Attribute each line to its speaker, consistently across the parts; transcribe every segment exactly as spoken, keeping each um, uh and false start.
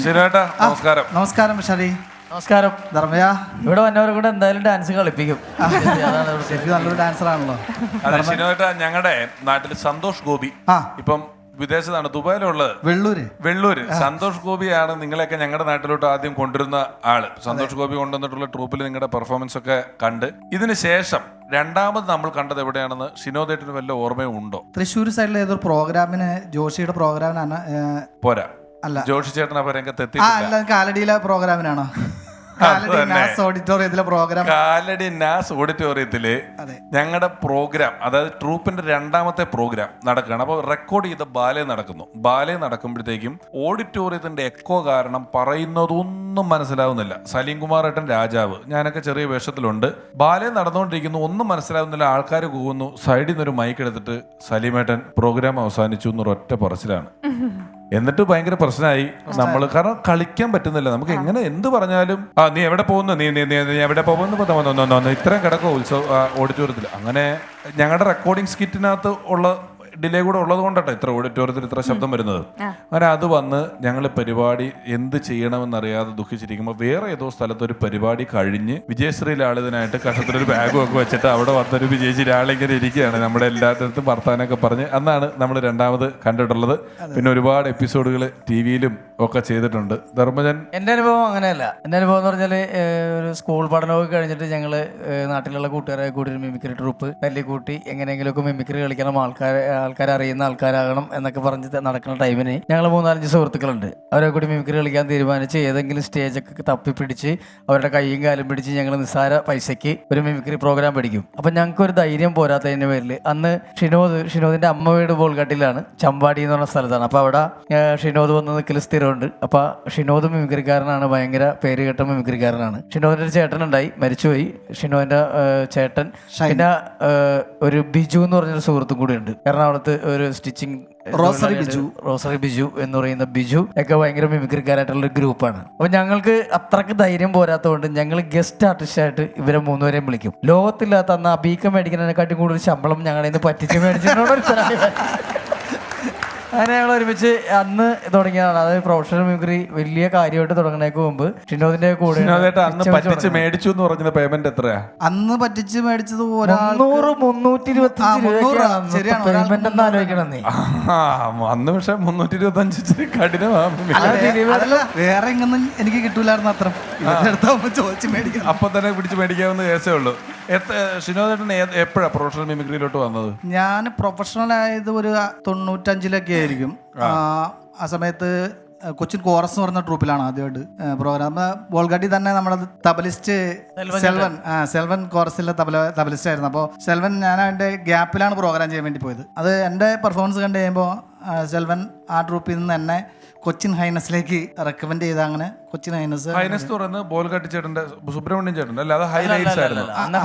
Speaker 1: ശരിയേട്ടാ നമസ്കാരം.
Speaker 2: നമസ്കാരം ഷരി.
Speaker 3: നമസ്കാരം.
Speaker 2: ധർമ്മയ
Speaker 3: ഇവിടെ വന്നവരെ കൂടെ എന്തായാലും ഡാൻസ് കളിപ്പിക്കും.
Speaker 2: നല്ലൊരു ഡാൻസർ ആണല്ലോ.
Speaker 1: അതെ ശരിയേട്ടാ, ഞങ്ങളുടെ നാട്ടിൽ സന്തോഷ് ഗോപി ഇപ്പം വിദേശത്താണ്, ദുബായിലുള്ളത്.
Speaker 2: വെള്ളൂര്
Speaker 1: വെള്ളൂര് സന്തോഷ് ഗോപിയാണ് നിങ്ങളെയൊക്കെ ഞങ്ങളുടെ നാട്ടിലോട്ട് ആദ്യം കൊണ്ടുവരുന്ന ആള്. സന്തോഷ് ഗോപി കൊണ്ടുവന്നിട്ടുള്ള ട്രൂപ്പിൽ നിങ്ങളുടെ പെർഫോമൻസ് ഒക്കെ കണ്ട് ഇതിന് ശേഷം രണ്ടാമത് നമ്മൾ കണ്ടത് എവിടെയാണെന്ന് ഷിനോദേട്ടിന് വല്ല ഓർമ്മയും ഉണ്ടോ?
Speaker 2: തൃശ്ശൂർ സൈഡിലെ ഏതൊരു പ്രോഗ്രാമിന്, ജോഷിയുടെ പ്രോഗ്രാമിനാണ്.
Speaker 1: പോരാ,
Speaker 2: അല്ല
Speaker 1: ജോഷി ചേട്ടൻ അപ്പൊ രംഗത്ത് എത്തി.
Speaker 2: അല്ല, കാലടിയിലെ പ്രോഗ്രാമിനാണോ? ഓഡിറ്റോറിയത്തിലെ പ്രോഗ്രാം.
Speaker 1: കാലടി നാസ് ഓഡിറ്റോറിയത്തില് ഞങ്ങളുടെ പ്രോഗ്രാം, അതായത് ട്രൂപ്പിന്റെ രണ്ടാമത്തെ പ്രോഗ്രാം നടക്കുകയാണ്. അപ്പോൾ റെക്കോർഡ് ചെയ്ത ബാലെ നടക്കുന്നു. ബാലെ നടക്കുമ്പോഴത്തേക്കും ഓഡിറ്റോറിയത്തിന്റെ എക്കോ കാരണം പറയുന്നതൊന്നും മനസ്സിലാവുന്നില്ല. സലീം കുമാർ ഏട്ടൻ രാജാവ്, ഞാനൊക്കെ ചെറിയ വേഷത്തിലുണ്ട്. ബാലെ നടന്നുകൊണ്ടിരിക്കുന്നു, ഒന്നും മനസ്സിലാവുന്നില്ല. ആൾക്കാർ കൂവുന്നു. സൈഡിൽ നിന്നൊരു മൈക്ക് എടുത്തിട്ട് സലീമേട്ടൻ പ്രോഗ്രാം അവസാനിച്ചു എന്നൊരൊറ്റ പറച്ചിലാണ്. എന്നിട്ട് ഭയങ്കര പ്രശ്നമായി നമ്മൾ, കാരണം കളിക്കാൻ പറ്റുന്നില്ല. നമുക്ക് എങ്ങനെ എന്ത് പറഞ്ഞാലും ആ നീ എവിടെ പോകുന്നു, നീ നീ നീ എവിടെ പോകുന്നു, ഇത്രയും കിടക്കും ഉത്സവ ഓഡിറ്റോറിയത്തിൽ. അങ്ങനെ ഞങ്ങളുടെ റെക്കോർഡിംഗ് സ്കിറ്റിനകത്ത് ഉള്ള ഡിലേ കൂടെ ഉള്ളത് കൊണ്ടാട്ടോ ഇത്ര ഓഡിറ്റോറിയത്തിൽ ഇത്ര ശബ്ദം വരുന്നത്. അങ്ങനെ അത് വന്ന് ഞങ്ങൾ പരിപാടി എന്ത് ചെയ്യണമെന്നറിയാതെ ദുഃഖിച്ചിരിക്കുമ്പോൾ വേറെ ഏതോ സ്ഥലത്ത് ഒരു പരിപാടി കഴിഞ്ഞ് വിജയശ്രീ ലാളിതനായിട്ട് കഷത്തിലൊരു ബാഗും ഒക്കെ വെച്ചിട്ട് അവിടെ വന്നൊരു വിജയശ്രീ ലാളിങ്ങനെ ഇരിക്കുകയാണ്. നമ്മുടെ എല്ലാത്തിടത്തും വർത്താനൊക്കെ പറഞ്ഞ് അന്നാണ് നമ്മൾ രണ്ടാമത് കണ്ടിട്ടുള്ളത്. പിന്നെ ഒരുപാട് എപ്പിസോഡുകൾ ടി വിയിലും ഒക്കെ ചെയ്തിട്ടുണ്ട്. ധർമ്മജൻ,
Speaker 3: എന്റെ അനുഭവം അങ്ങനെയല്ല. എന്റെ അനുഭവം എന്ന് പറഞ്ഞാല് ഒരു സ്കൂൾ പഠനമൊക്കെ കഴിഞ്ഞിട്ട് ഞങ്ങള് നാട്ടിലുള്ള കൂട്ടുകാരെ കൂടി ഒരു മിമിക്രി ട്രൂപ്പ് തല്ലിക്കൂട്ടി എങ്ങനെയെങ്കിലുമൊക്കെ മിമിക്രി കളിക്കണം, ആൾക്കാരെ ആൾക്കാരെ അറിയുന്ന ആൾക്കാരാകണം എന്നൊക്കെ പറഞ്ഞ് നടക്കുന്ന ടൈമിന് ഞങ്ങൾ മൂന്നാലഞ്ച് സുഹൃത്തുക്കളുണ്ട്. അവരെ കൂടി മിമിക്രി കളിക്കാൻ തീരുമാനിച്ച് ഏതെങ്കിലും സ്റ്റേജൊക്കെ തപ്പി പിടിച്ച് അവരുടെ കൈയും കാലും പിടിച്ച് ഞങ്ങൾ നിസ്സാര പൈസയ്ക്ക് ഒരു മിമിക്രി പ്രോഗ്രാം പഠിക്കും. അപ്പം ഞങ്ങൾക്ക് ഒരു ധൈര്യം പോരാത്തതിൻ്റെ പേരിൽ അന്ന് ഷിനോദ് ഷിനോദിന്റെ അമ്മ വീട് ബോൾഗാട്ടിലാണ്, ചമ്പാടി എന്ന് പറഞ്ഞ സ്ഥലത്താണ്. അപ്പോൾ അവിടെ ഷിനോദ് വന്ന് നിൽക്കൽ സ്ഥിരമുണ്ട്. അപ്പോൾ ഷിനോദ് മിമിക്രിക്കാരനാണ്, ഭയങ്കര പേര് കേട്ട മിമിക്രിക്കാരനാണ്. ഷിനോദിന്റെ ഒരു ചേട്ടനുണ്ടായി, മരിച്ചുപോയി. ഷിനോദിന്റെ ചേട്ടൻ, പിന്നെ ഒരു ബിജു എന്ന് പറഞ്ഞൊരു സുഹൃത്തും കൂടി ഉണ്ട് എറണാകുളത്ത്, ഒരു stitching rosary Biju rosary Biju എന്ന് പറയുന്ന ബിജു ഒക്കെ ഭയങ്കര മിമിക്രിക്കാരായിട്ടുള്ള ഒരു ഗ്രൂപ്പാണ്. അപ്പൊ ഞങ്ങൾക്ക് അത്രക്ക് ധൈര്യം പോരാത്തതുകൊണ്ട് ഞങ്ങൾ ഗസ്റ്റ് ആർട്ടിസ്റ്റ് ആയിട്ട് ഇവരെ മൂന്നുപേരെയും വിളിക്കും. ലോകത്തില്ലാത്ത അന്ന് അബീക്ക മേടിക്കുന്നതിനെക്കാട്ടി കൂടുതൽ ശമ്പളം ഞങ്ങളുടെ നിന്ന് പറ്റിച്ച് മേടിച്ചിട്ടുണ്ട്. അങ്ങനെ ഞങ്ങൾ ഒരുമിച്ച് അന്ന് തുടങ്ങിയതാണ്. അതായത് പ്രൊഫഷണൽ മിമിക്രി വലിയ കാര്യമായിട്ട് തുടങ്ങുന്നതിന് മുമ്പ് ഷിനോദിന്റെ കൂടെ
Speaker 1: പറ്റിച്ച് മേടിച്ചു എന്ന് പറഞ്ഞ പേയ്മെന്റ് എത്രയാ
Speaker 2: അന്ന് പറ്റിച്ച് മേടിച്ചത്?
Speaker 3: മുന്നൂറ് മുന്നൂറ്റി ഇരുപത്തി പേയ്മെന്റ് ഒന്ന് ആലോചിക്കണം നീ.
Speaker 1: അന്ന് പക്ഷെ മുന്നൂറ്റി ഇരുപത്തി അഞ്ച് കഠിനമാണ്.
Speaker 2: വേറെ എങ്ങൊന്നും എനിക്ക് കിട്ടൂലായിരുന്നു അത്ര. ചോദിച്ചു മേടിക്കണം,
Speaker 1: അപ്പൊ തന്നെ പിടിച്ച് മേടിക്കാവുന്ന കേസേ ഉള്ളൂ. ഷിനോദേട്ടൻ എപ്പോഴാ പ്രൊഫഷണൽ മിമിക്രിയിലോട്ട് വന്നത്?
Speaker 2: ഞാൻ പ്രൊഫഷണൽ ആയത് ഒരു തൊണ്ണൂറ്റഞ്ചിലൊക്കെ ആയിരിക്കും. ആ സമയത്ത് കൊച്ചിൻ കോറസ് എന്ന് പറഞ്ഞ ട്രൂപ്പിലാണ് ആദ്യമായിട്ട് പ്രോഗ്രാം. ബോൾഗാട്ടി തന്നെ നമ്മുടെ തബലിസ്റ്റ് സെൽവൻ സെൽവൻ കോറസിലെ തബല തബലിസ്റ്റ് ആയിരുന്നു. അപ്പോൾ സെൽവൻ, ഞാൻ അതിൻ്റെ ഗ്യാപ്പിലാണ് പ്രോഗ്രാം ചെയ്യാൻ വേണ്ടി പോയത്. അത് എൻ്റെ പെർഫോമൻസ് കണ്ടു കഴിയുമ്പോൾ സെൽവൻ ആ ട്രൂപ്പിൽ നിന്ന് എന്നെ കൊച്ചിൻ ഹൈനസിലേക്ക് റെക്കമെൻഡ് ചെയ്ത. അങ്ങനെ കൊച്ചിൻ ഹൈനസ്
Speaker 1: ഹൈനസ് എന്ന് പറയുന്നത് ബോൾഗാട്ടി ചേട്ടന്റെ, സുബ്രഹ്മണ്യൻ ചേട്ടൻ്റെ അല്ല, അത് ഹൈലൈറ്റ്സ് ആയിരുന്നു.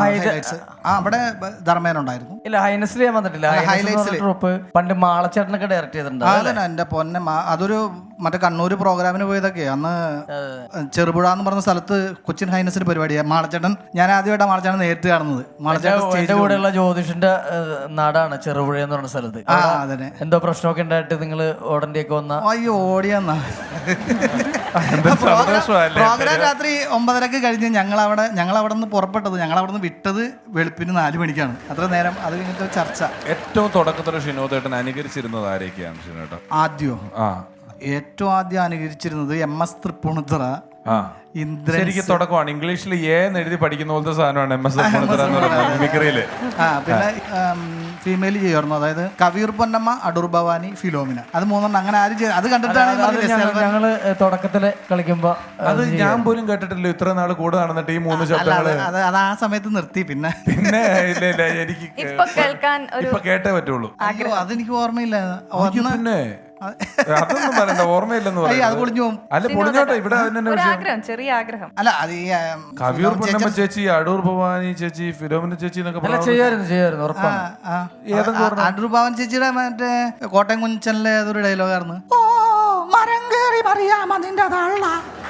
Speaker 2: ആ അവിടെ ധർമ്മേനുണ്ടായിരുന്നു.
Speaker 3: ഇല്ല, ഹൈനസിൽ ഞാൻ വന്നിട്ടില്ല. ഹൈലൈറ്റ്സ് ട്രൂപ്പ് പണ്ട് മാളച്ചേട്ടനൊക്കെ ഡയറക്റ്റ് ചെയ്തിട്ടുണ്ട്.
Speaker 2: അതന്നെ എന്റെ പൊന്നെ, അതൊരു മറ്റേ കണ്ണൂർ പ്രോഗ്രാമിന് പോയതൊക്കെ. അന്ന് ചെറുപുഴ എന്ന് പറഞ്ഞ സ്ഥലത്ത് കൊച്ചിൻ ഹൈനസിന്റെ പരിപാടിയാണ്. മാളച്ചേട്ടൻ, ഞാൻ ആദ്യമായിട്ടാണ് മാളച്ചേട്ടൻ നേരിട്ട് കാണുന്നത്.
Speaker 3: മാളച്ചേട്ടൻ കൂടെയുള്ള ജ്യോതിഷിന്റെ നാടാണ് ചെറുപുഴ എന്ന് പറഞ്ഞ സ്ഥലത്ത്. എന്തോ പ്രശ്നമൊക്കെ ഉണ്ടായിട്ട് നിങ്ങൾ ഓടന്റെയൊക്കെ വന്ന?
Speaker 2: അയ്യോ, ഓടിയെന്നാ. പ്രോഗ്രാം രാത്രി ഒമ്പതരക്ക് കഴിഞ്ഞ് ഞങ്ങൾ അവിടെ ഞങ്ങൾ അവിടെ നിന്ന് പുറപ്പെട്ടത്, ഞങ്ങൾ അവിടെ നിന്ന് വിട്ടത് വെളുപ്പിന് നാല് മണിക്കാണ്. അത്ര നേരം അത് കഴിഞ്ഞിട്ട് ചർച്ച. ഏറ്റവും
Speaker 1: തുടക്കത്തിൽ ഷിനോദേട്ടൻ അനുകരിച്ചിരുന്നത് ആരൊക്കെയാണ് ഷിനോട്ട?
Speaker 2: ആദ്യം ഏറ്റവും ആദ്യം അനുകരിച്ചിരുന്നത് എം എസ് തൃപ്പൂണിത്തുറ.
Speaker 1: ശരിക്കും തുടക്കമാണ്. ഇംഗ്ലീഷിൽ ഏന്ന് എഴുതി പഠിക്കുന്ന പോലത്തെ സാധനമാണ് എം എസ് മിമിക്രിയില്.
Speaker 2: പിന്നെ ഫീമെയിൽ ചെയ്യുമായിരുന്നു, അതായത് കവിയൂർ പൊന്നമ്മ, അടൂർ ഭവാനി, ഫിലോമിന. അത് മൂന്നെണ്ണം. അങ്ങനെ ആരും അത് കണ്ടിട്ടാണ്
Speaker 3: ഞങ്ങള് തുടക്കത്തില് കളിക്കുമ്പോ.
Speaker 1: അത് ഞാൻ പോലും കേട്ടിട്ടില്ല ഇത്ര നാള് കൂടെ നടന്നിട്ട് ഈ മൂന്ന് ശബ്ദങ്ങള്.
Speaker 2: അത് അത് ആ സമയത്ത് നിർത്തി. പിന്നെ
Speaker 1: പിന്നെ ഇല്ല ഇല്ല എനിക്ക് ഇപ്പൊ കേട്ടേ പറ്റുള്ളൂ.
Speaker 2: അതെനിക്ക് ഓർമ്മയില്ല.
Speaker 1: പിന്നെ അതൊന്നും പറയണ്ട, ഓർമ്മയില്ലെന്ന് പറയാം. അല്ല പൊളിഞ്ഞോട്ടെ, ഇവിടെ
Speaker 4: ചെറിയ ആഗ്രഹം.
Speaker 2: അല്ല, അത് ഈ
Speaker 1: കവിയൂർ പൊന്നമ്മ ചേച്ചി, അടൂർ ഭവാനി ചേച്ചി, ഫിലോമിന ചേച്ചി എന്നൊക്കെ
Speaker 3: ചെയ്യായിരുന്നു.
Speaker 2: അടൂർ ഭവാനി ചേച്ചിയുടെ മറ്റേ കോട്ടയം കുഞ്ചനിലെ ഏതൊരു ഡയലോഗായിരുന്നു, ഓ മരം കേറി പറയാം അതിന്റെ തള്ള.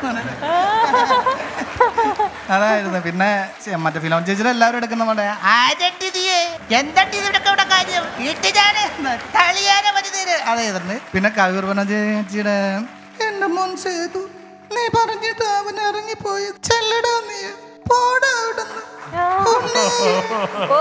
Speaker 2: അതായിരുന്നു. പിന്നെ മറ്റേ ഫിലോമിന ചേച്ചിയുടെ എല്ലാവരും എടുക്കുന്ന പോലെ അതായിരുന്നു. പിന്നെ കവിയൂർ പൊന്നമ്മ ചേച്ചിയുടെ എന്റെ മോൻ സേതു നീ പറഞ്ഞിട്ട് അവൻ ഇറങ്ങിപ്പോയി ചെല്ലടാ നീ പോടാ അവിടുന്ന്.
Speaker 4: ഓ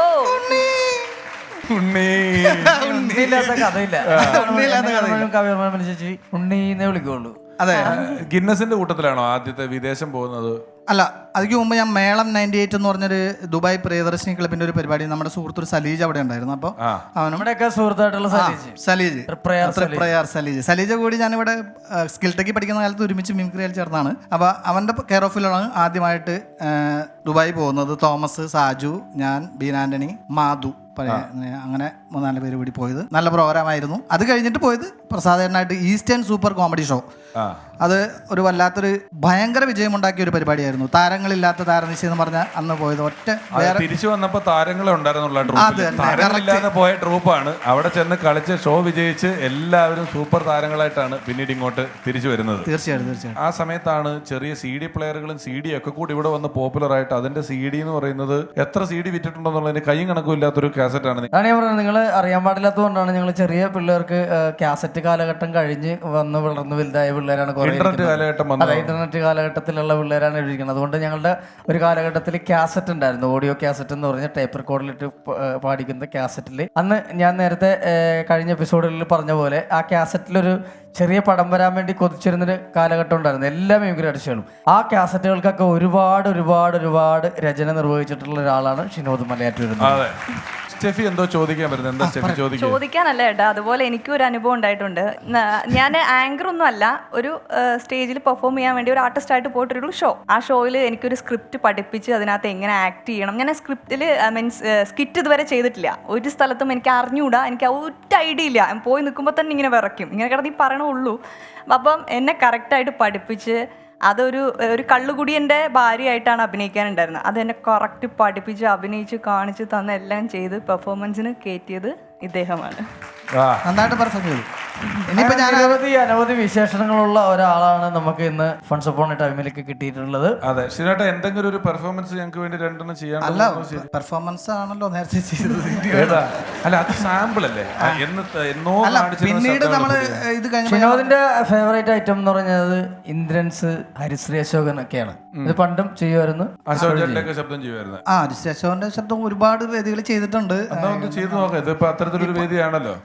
Speaker 1: ഉണ്ണി
Speaker 3: ഉണ്ണിയില്ലാത്ത കഥയില്ല.
Speaker 2: ഉണ്ണിയില്ലാത്ത കഥയില്ല.
Speaker 3: കവിയർമ്മ ചേച്ചി ഉണ്ണീന്നേ വിളിക്കുള്ളൂ.
Speaker 2: അതെ.
Speaker 1: ഗിന്നസിന്റെ കൂട്ടത്തിലാണോ ആദ്യത്തെ വിദേശം പോകുന്നത്?
Speaker 2: അല്ല, അതിക്ക് മുമ്പ് ഞാൻ മേളം നയൻറ്റി എയ്റ്റ് എന്ന് പറഞ്ഞൊരു ദുബായ് പ്രിയദർശിനി ക്ലബിന്റെ ഒരു പരിപാടി നമ്മുടെ സുഹൃത്തൊരു സലീജ് അവിടെ ഉണ്ടായിരുന്നു. അപ്പോൾ അവനും
Speaker 3: നമ്മുടെയൊക്കെ സുഹൃത്തായിട്ടുള്ള സലീജ്
Speaker 2: സലീജ്
Speaker 3: പ്രയാർ
Speaker 2: പ്രയാർ സലീജ് സലീജ് കൂടി ഞാനിവിടെ സ്കിൽ ടെക്കി പഠിക്കുന്ന കാലത്ത് ഒരുമിച്ച് മിമിക്രിയിൽ ചേർന്നാണ്. അപ്പോൾ അവൻ്റെ കെയർ ഓഫിലാണ് ആദ്യമായിട്ട് ദുബായ് പോകുന്നത്. തോമസ്, സാജു, ഞാൻ, ബീന ആന്റണി, മാധു, അങ്ങനെ മൂന്നാല് പേര് കൂടി പോയത്. നല്ല പ്രോഗ്രാം ആയിരുന്നു. അത് കഴിഞ്ഞിട്ട് പോയത് പ്രസാദേട്ടനായിട്ട് ഈസ്റ്റേൺ സൂപ്പർ കോമഡി ഷോ. അത് ഒരു വല്ലാത്തൊരു ഭയങ്കര വിജയമുണ്ടാക്കിയ ഒരു പരിപാടിയായിരുന്നു. താരങ്ങളില്ലാത്ത താരനിശ എന്ന് പറഞ്ഞാൽ അന്ന് പോയത് ഒറ്റ വേറെ
Speaker 1: തിരിച്ചു വന്നപ്പോ താരങ്ങളെ ഉണ്ടായിരുന്നുള്ള താരങ്ങളില്ലാതെ പോയ ട്രൂപ്പാണ്. അവിടെ ചെന്ന് കളിച്ച് ഷോ വിജയിച്ച് എല്ലാവരും സൂപ്പർ താരങ്ങളായിട്ടാണ് പിന്നീട് ഇങ്ങോട്ട് തിരിച്ചു വരുന്നത്.
Speaker 2: തീർച്ചയായിട്ടും തീർച്ചയായിട്ടും
Speaker 1: ആ സമയത്താണ് ചെറിയ സി ഡി പ്ലെയറുകളും സി ഡി ഒക്കെ കൂടി ഇവിടെ വന്ന് പോപ്പുലർ ആയിട്ട് അതിന്റെ സി ഡി എന്ന് പറയുന്നത് എത്ര സി ഡി വിറ്റിട്ടുണ്ടെന്നുള്ളതിന് കൈയും കണക്കും ഇല്ലാത്തൊരു കാസറ്റ് ആണ്.
Speaker 3: അതാണ് ഞാൻ പറഞ്ഞത്, നിങ്ങൾ അറിയാൻ പാടില്ലാത്തതുകൊണ്ടാണ്. ഞങ്ങൾ ചെറിയ പിള്ളേർക്ക് കാസറ്റ് കാലഘട്ടം കഴിഞ്ഞ് വന്ന് വളർന്ന് വലുതായ പിള്ളേരാണ്.
Speaker 1: ഇന്റർനെറ്റ് കാലഘട്ടം വന്നു.
Speaker 3: അതെ, ഇന്റർനെറ്റ് കാലഘട്ടത്തിലുള്ള പിള്ളേരാണ് എഴുതിക്കുന്നത്. അതുകൊണ്ട് ഞങ്ങളുടെ ഒരു കാലഘട്ടത്തിൽ കാസറ്റ് ഉണ്ടായിരുന്നു, ഓഡിയോ കാസറ്റ് എന്ന് പറഞ്ഞ ടേപ്പ് റെക്കോർഡിലിട്ട് പാടിക്കുന്ന കാസറ്റിൽ. അന്ന് ഞാൻ നേരത്തെ കഴിഞ്ഞ എപ്പിസോഡുകളിൽ പറഞ്ഞ പോലെ ആ കാസറ്റിലൊരു ചെറിയ പടം വരാൻ വേണ്ടി കൊതിച്ചിരുന്നൊരു കാലഘട്ടം ഉണ്ടായിരുന്നു എല്ലാ മിമിക്രി ആർട്ടിസ്റ്റുകളും. ആ കാസറ്റുകൾക്കൊക്കെ ഒരുപാട് ഒരുപാട് ഒരുപാട് രചന നിർവഹിച്ചിട്ടുള്ള ഒരാളാണ് ഷിനോദ് മലയാറ്റൂർ.
Speaker 1: സ്റ്റെഫി എന്തോ ചോദിക്കാൻ വരുന്നത്? എന്താ സ്റ്റെഫി ചോദിക്കുക?
Speaker 4: ചോദിക്കാനല്ല ഏട്ടാ, അതുപോലെ എനിക്കും ഒരു അനുഭവം ഉണ്ടായിട്ടുണ്ട്. ഞാൻ ആങ്കർ ഒന്നും അല്ല, ഒരു സ്റ്റേജിൽ പെർഫോം ചെയ്യാൻ വേണ്ടി ഒരു ആർട്ടിസ്റ്റ് ആയിട്ട് പോയിട്ടൊരു ഷോ. ആ ഷോയിൽ എനിക്കൊരു സ്ക്രിപ്റ്റ് പഠിപ്പിച്ച് അതിനകത്ത് എങ്ങനെ ആക്ട് ചെയ്യണം. ഞാൻ സ്ക്രിപ്റ്റിൽ മീൻസ് സ്കിറ്റ് ഇതുവരെ ചെയ്തിട്ടില്ല. ഒരു സ്ഥലത്തും എനിക്ക് അറിഞ്ഞുകൂടാ, എനിക്ക് ഒറ്റ ഐഡിയ ഇല്ല. പോയി നിൽക്കുമ്പോൾ തന്നെ ഇങ്ങനെ വിറയ്ക്കും, ഇങ്ങനെ കിടന്ന് ഈ പറയണുള്ളൂ. അപ്പം എന്നെ കറക്റ്റായിട്ട് പഠിപ്പിച്ച് അതൊരു ഒരു കള്ളുകുടിയൻ്റെ ഭാര്യയായിട്ടാണ് അഭിനയിക്കാനുണ്ടായിരുന്നത്. അതെന്നെ കറക്റ്റ് പഠിപ്പിച്ച് അഭിനയിച്ച് കാണിച്ച് തന്ന എല്ലാം ചെയ്ത് പെർഫോമൻസിന് കയറ്റിയത് ഇദ്ദേഹമാണ്.
Speaker 2: നന്നായിട്ട് പറഞ്ഞു. ഇനിയിപ്പോ ഞാൻ
Speaker 3: അനവധി അനവധി വിശേഷണങ്ങളുള്ള ഒരാളാണ് നമുക്ക് ഇന്ന് ഫൺസ് അപ്പോൺ എ ടൈമിലേക്ക് കിട്ടിയിട്ടുള്ളത്.
Speaker 1: അതെ, ശരിയായിട്ട് എന്തെങ്കിലും ഒരു പെർഫോമൻസ് ഞങ്ങൾക്ക് വേണ്ടി രണ്ടെണ്ണം ചെയ്യാൻ.
Speaker 2: അല്ല, പെർഫോമൻസ് ആണല്ലോ നേരത്തെ ചെയ്തത്.
Speaker 1: അല്ല, അത് സാമ്പിൾ അല്ലേ? എന്നോ
Speaker 2: പിന്നീട് നമ്മള് ഇത് കഴിഞ്ഞ
Speaker 3: ഷിനോദിന്റെ ഫേവറേറ്റ് ഐറ്റം എന്ന് പറഞ്ഞത് ഇന്ദ്രൻസ്, ഹരിശ്രീ അശോകൻ ഒക്കെയാണ്. ഇത് പണ്ടും ചെയ്യുമായിരുന്നു.
Speaker 1: ശബ്ദം ചെയ്യുമായിരുന്നു.
Speaker 2: ആ, ഹരിശ്രീ അശോകന്റെ ശബ്ദം ഒരുപാട് വേദികൾ ചെയ്തിട്ടുണ്ട്.
Speaker 1: ചെയ്തു നോക്കാം. ഇതിപ്പോ അത്തരത്തിലൊരു വേദിയാണല്ലോ.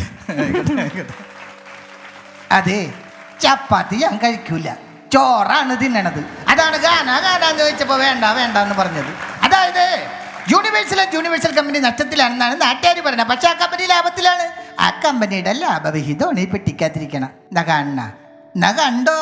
Speaker 2: അതെ, ചപ്പാത്തി ഞാൻ കഴിക്കൂല, ചോറാണ് തിന്നണത്. അതാണ് ഗാന ഗാനാന്ന് ചോദിച്ചപ്പോ വേണ്ട വേണ്ട എന്ന് പറഞ്ഞത്. അതായത് യൂണിവേഴ്സൽ യൂണിവേഴ്സൽ കമ്പനി നഷ്ടത്തിലാണെന്നാണ് നാട്ടുകാർ പറയുന്നത്. പക്ഷെ ആ കമ്പനി ലാഭത്തിലാണ്. ആ കമ്പനിയുടെ ലാഭവിഹിതമാണ് ഈ പെട്ടിക്കാത്തിരിക്കണം. എന്നാ കാണണ എന്നാ കണ്ടോ.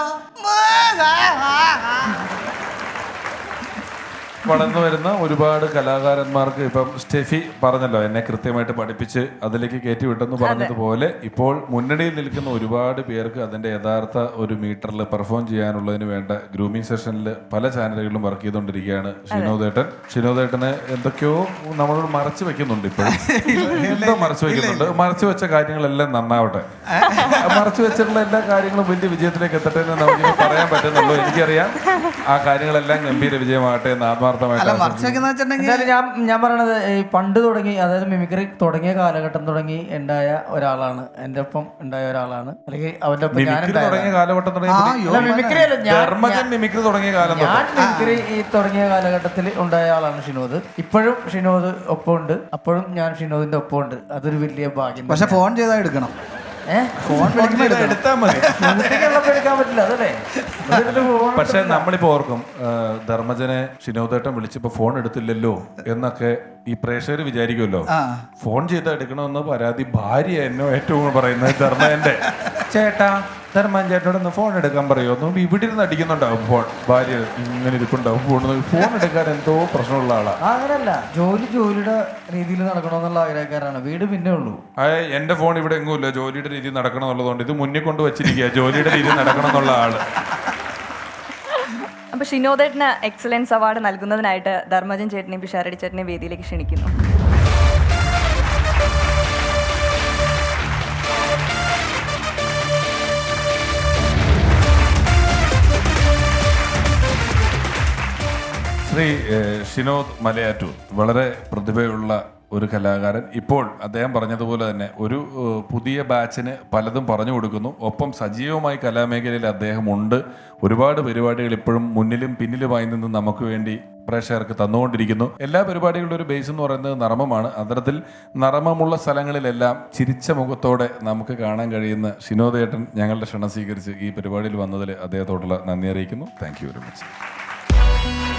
Speaker 1: വളർന്നു വരുന്ന ഒരുപാട് കലാകാരന്മാർക്ക് ഇപ്പം സ്റ്റെഫി പറഞ്ഞല്ലോ, എന്നെ കൃത്യമായിട്ട് പഠിപ്പിച്ച് അതിലേക്ക് കയറ്റി വിട്ടെന്ന് പറഞ്ഞതുപോലെ ഇപ്പോൾ മുന്നണിയിൽ നിൽക്കുന്ന ഒരുപാട് പേർക്ക് അതിന്റെ യഥാർത്ഥ ഒരു മീറ്ററിൽ പെർഫോം ചെയ്യാനുള്ളതിന് വേണ്ട ഗ്രൂമിംഗ് സെഷനിൽ പല ചാനലുകളിലും വർക്ക് ചെയ്തുകൊണ്ടിരിക്കുകയാണ് ഷിനോദേട്ടൻ. ഷിനോദേട്ടനെ എന്തൊക്കെയോ നമ്മളോട് മറച്ചു വെക്കുന്നുണ്ട്. ഇപ്പോഴും എന്തോ മറച്ചു വെക്കുന്നുണ്ട്. മറച്ചു വെച്ച കാര്യങ്ങളെല്ലാം നന്നാവട്ടെ. മറച്ചു വെച്ചിട്ടുള്ള എല്ലാ കാര്യങ്ങളും വലിയ വിജയത്തിലേക്ക് എത്തട്ടെ എന്ന് നമുക്ക് പറയാൻ പറ്റുന്നുള്ളൂ. എനിക്കറിയാം ആ കാര്യങ്ങളെല്ലാം ഗംഭീര വിജയമാകട്ടെ എന്ന് ആത്മാർത്ഥമായിട്ട്.
Speaker 3: എന്തായാലും ഞാൻ ഞാൻ പറയണത് ഈ പണ്ട് തുടങ്ങി, അതായത് മിമിക്രി തുടങ്ങിയ കാലഘട്ടം തുടങ്ങി ഉണ്ടായ ഒരാളാണ്, എന്റെ ഒപ്പം ഉണ്ടായ ഒരാളാണ്. അല്ലെങ്കിൽ അവന്റെ ഒപ്പം ഞാൻ
Speaker 1: തുടങ്ങിയ കാലഘട്ടം
Speaker 3: മിമിക്രി അല്ല, ഞാൻ
Speaker 1: മിമിക്രി തുടങ്ങിയ കാലം
Speaker 3: ഞാൻ മിമിക്രി ഈ തുടങ്ങിയ കാലഘട്ടത്തിൽ ഉണ്ടായ ആളാണ് ഷിനോദ്. ഇപ്പോഴും ഷിനോദ് ഒപ്പമുണ്ട്, അപ്പോഴും ഞാൻ ഷിനോദിന്റെ ഒപ്പമുണ്ട്. അതൊരു വലിയ ഭാഗ്യം.
Speaker 2: പക്ഷെ ഫോൺ ചെയ്താൽ എടുക്കണം.
Speaker 3: ഫോൺ
Speaker 1: എടുത്താൽ മതി,
Speaker 3: എടുക്കാൻ പറ്റില്ല. അതല്ലേ
Speaker 1: പക്ഷെ നമ്മളിപ്പോ ഓർക്കും ധർമ്മജനെ ഷിനോദേട്ടൻ വിളിച്ചപ്പോ ഫോൺ എടുത്തില്ലല്ലോ എന്നൊക്കെ ഈ പ്രേക്ഷകർ വിചാരിക്കുമല്ലോ. ഫോൺ ചെയ്ത് എടുക്കണമെന്ന് പരാതി ഭാര്യ എന്നോ ഏറ്റവും പറയുന്നത് ധർമ്മജന്റെ. ചേട്ടാ, ധർമ്മൻ ചേട്ടനോടൊന്ന് ഫോൺ എടുക്കാൻ പറയുമോ? ഇവിടെ ഇരുന്ന് അടിക്കുന്നുണ്ടാവും ഫോൺ. ഭാര്യ ഇങ്ങനെ ഇരിപ്പുണ്ടാവും, ഫോൺ ഫോൺ എടുക്കാൻ എന്തോ പ്രശ്നമുള്ള ആളാ.
Speaker 3: അങ്ങനല്ല, ജോലി ജോലിയുടെ രീതിയിൽ നടക്കണമെന്നുള്ള ആഗ്രഹക്കാരാണ്. വീട് പിന്നെ ഉള്ളൂ.
Speaker 1: അതെ, എന്റെ ഫോൺ ഇവിടെ എങ്ങുമില്ല. ജോലിയുടെ രീതിയിൽ നടക്കണം എന്നുള്ളതുകൊണ്ട് ഇത് മുന്നിൽ കൊണ്ട് വെച്ചിരിക്കുക. ജോലിയുടെ രീതിയിൽ നടക്കണം എന്നുള്ള ആള്.
Speaker 4: അപ്പൊ ഷിനോദേട്ടന് എക്സലൻസ് അവാർഡ് നൽകുന്നതിനായിട്ട് ധർമ്മജൻ ചേട്ടനെയും പിഷാരടി ചേട്ടനെയും വേദിയിലേക്ക് ക്ഷണിക്കുന്നു.
Speaker 1: ശ്രീ ഷിനോദ് മലയാറ്റൂർ വളരെ പ്രതിഭയുള്ള ഒരു കലാകാരൻ. ഇപ്പോൾ അദ്ദേഹം പറഞ്ഞതുപോലെ തന്നെ ഒരു ഏഹ്, പുതിയ ബാച്ചിന് പലതും പറഞ്ഞു കൊടുക്കുന്നു. ഒപ്പം സജീവമായി കലാമേഖലയിൽ അദ്ദേഹം ഉണ്ട്. ഒരുപാട് പരിപാടികൾ ഇപ്പോഴും മുന്നിലും പിന്നിലുമായി നിന്ന് നമുക്ക് വേണ്ടി പ്രേക്ഷകർക്ക് തന്നുകൊണ്ടിരിക്കുന്നു. എല്ലാ പരിപാടികളുടെ ഒരു ബേസ് എന്ന് പറയുന്നത് നർമ്മമാണ്. അത്തരത്തിൽ നർമ്മമുള്ള സ്ഥലങ്ങളിലെല്ലാം ചിരിച്ച മുഖത്തോടെ നമുക്ക് കാണാൻ കഴിയുന്ന ഷിനോദേട്ടൻ ഞങ്ങളുടെ ക്ഷണം സ്വീകരിച്ച് ഈ പരിപാടിയിൽ വന്നതിൽ അദ്ദേഹത്തോടുള്ള നന്ദി അറിയിക്കുന്നു. Thank you very much.